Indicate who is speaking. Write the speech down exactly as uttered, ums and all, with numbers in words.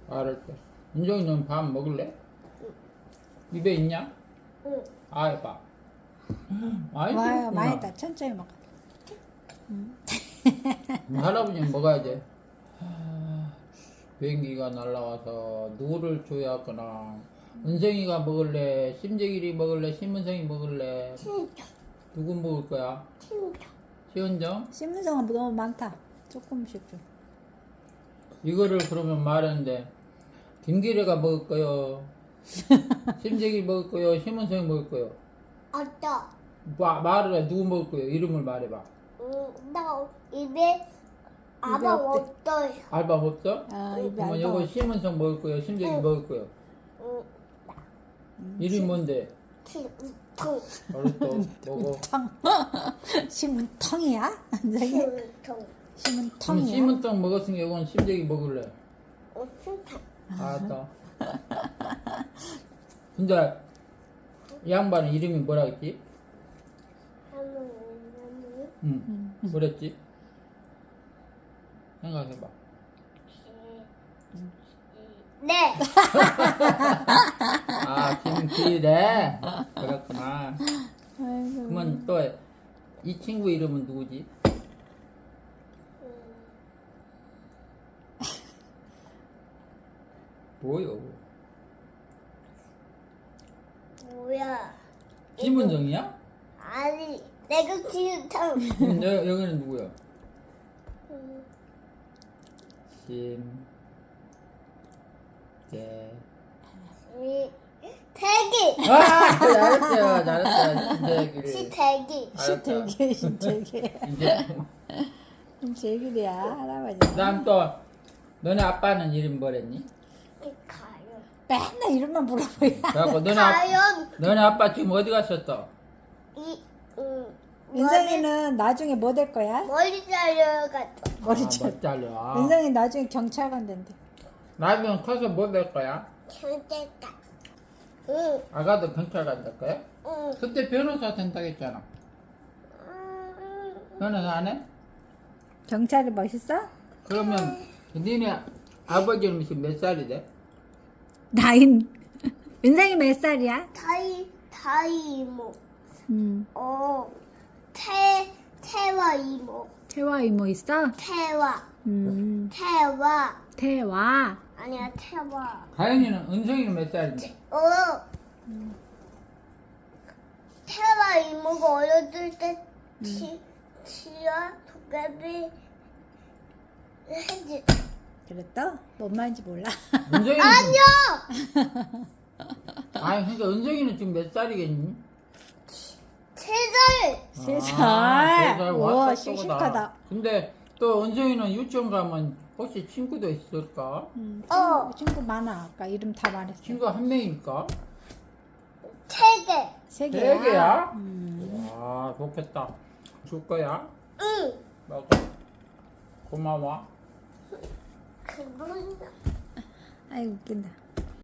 Speaker 1: 알았어. 은정이 넌 밥 먹을래? 입에 있냐?
Speaker 2: 응.
Speaker 1: 아, 해봐. 많이
Speaker 3: 와요,
Speaker 1: 먹구나.
Speaker 3: 많이 다 천천히 먹어.
Speaker 1: 할아버지는 먹어야 돼. 하, 비행기가 날라와서 누구를 줘야 하거나. 은성이가 먹을래? 심재길이 먹을래? 심은성이 먹을래?
Speaker 2: 진짜.
Speaker 1: 누구 먹을 거야?
Speaker 2: 진짜.
Speaker 1: 시은정?
Speaker 3: 신문성은 너무 많다. 조금씩 좀.
Speaker 1: 이거를 그러면 말하는데 김기래가 먹을 거요? 심재길 먹을 거요? 심은성이 먹을 거요?
Speaker 2: 아따.
Speaker 1: 마, 말을 해. 누구 먹을 거요? 이름을 말해봐.
Speaker 2: 응, 나 입에 아마
Speaker 3: 없대.
Speaker 2: 없어요.
Speaker 1: 알바 없어?
Speaker 3: 아, 입에
Speaker 1: 그러면
Speaker 3: 안
Speaker 1: 이거
Speaker 3: 넣어.
Speaker 1: 심은성 먹을 거요? 심재길
Speaker 2: 응.
Speaker 1: 먹을 거요?
Speaker 2: 응.
Speaker 1: 이름이 뭔데?
Speaker 2: 진통.
Speaker 1: 알았어. 먹어.
Speaker 3: 텅. 심은텅이야? 저기
Speaker 2: 진통.
Speaker 1: 그럼
Speaker 3: 심은텅이야?
Speaker 1: 심은성 먹었으니까 이건 심재길 먹을래.
Speaker 2: 어, 진통.
Speaker 1: 알았다. 근데 이 양반은 이름이 뭐라 했지?
Speaker 2: 할머니,
Speaker 1: 응. 뭐랬지? 생각해봐.
Speaker 2: 네.
Speaker 1: 아, 김기래. 그렇구나.
Speaker 3: 아이고.
Speaker 1: 그러면 또 이 친구 이름은 누구지? 뭐요?
Speaker 2: 뭐야?
Speaker 1: 김은정이야?
Speaker 2: 아니, 내가 진통.
Speaker 1: 그럼 여, 여기는 누구야?
Speaker 2: 음,
Speaker 1: 심, 재.
Speaker 2: 이, 대기.
Speaker 1: 아, 잘했어요. 잘했어요. 심재길.
Speaker 2: 시대기.
Speaker 3: 신태기, 신태기.
Speaker 1: 이제
Speaker 3: 신태기야, 할아버지.
Speaker 1: 그다음 또 너네 아빠는 이름 뭐랬니?
Speaker 2: 가요.
Speaker 3: 맨날 이름만 물어보야.
Speaker 1: 그래갖고 너네 아,
Speaker 2: 가요.
Speaker 1: 너네 아빠 지금 어디 갔었어?
Speaker 2: 이, 음.
Speaker 3: 은성이는 나중에 뭐 될 거야?
Speaker 2: 머리 잘려가지고.
Speaker 3: 머리
Speaker 1: 아,
Speaker 3: 잘.
Speaker 1: 못 잘려.
Speaker 3: 은성이 나중에 경찰관 된대.
Speaker 1: 나중에 커서 뭐 될 거야?
Speaker 2: 경찰가. 응,
Speaker 1: 아가도 경찰관 될 거야?
Speaker 2: 응.
Speaker 1: 그때 변호사 된다고 했잖아.
Speaker 2: 음,
Speaker 1: 변호사 안 해?
Speaker 3: 경찰이 멋있어?
Speaker 1: 그러면 니네 아버지는 지금 몇 살이 돼?
Speaker 3: 나인. 은성이 몇 살이야?
Speaker 2: 다이, 다이 이모.
Speaker 3: 음.
Speaker 2: 어, 태, 태화 이모.
Speaker 3: 태화 이모 있어?
Speaker 2: 태화.
Speaker 3: 음.
Speaker 2: 태화.
Speaker 3: 태화.
Speaker 2: 아니야, 태화.
Speaker 1: 가연이는 은성이는 몇 살인데?
Speaker 2: 어. 태화 이모가 어렸을 때 치, 치아 도깨비 해지.
Speaker 3: 그랬어? 뭔 말인지 몰라.
Speaker 1: 은성이는
Speaker 2: 아니요!
Speaker 1: 아니 그러니까 은성이는 지금 몇 살이겠니?
Speaker 2: 세 살!
Speaker 3: 세
Speaker 1: 아,
Speaker 3: 살.
Speaker 1: 세살
Speaker 3: 우와,
Speaker 1: 왔다
Speaker 3: 씩씩하다.
Speaker 1: 근데 또 은성이는 유치원 가면 혹시 친구도 있을까?
Speaker 3: 음,
Speaker 2: 어.
Speaker 3: 친구, 친구 많아. 아까 이름 다 말했어.
Speaker 1: 친구 한 명일까?
Speaker 2: 세 개.
Speaker 3: 세 개야.
Speaker 1: 세 개야?
Speaker 3: 음.
Speaker 1: 와 좋겠다. 줄 거야?
Speaker 2: 응.
Speaker 1: 먹어. 고마워.
Speaker 2: 그건
Speaker 3: 아이고 웃긴다.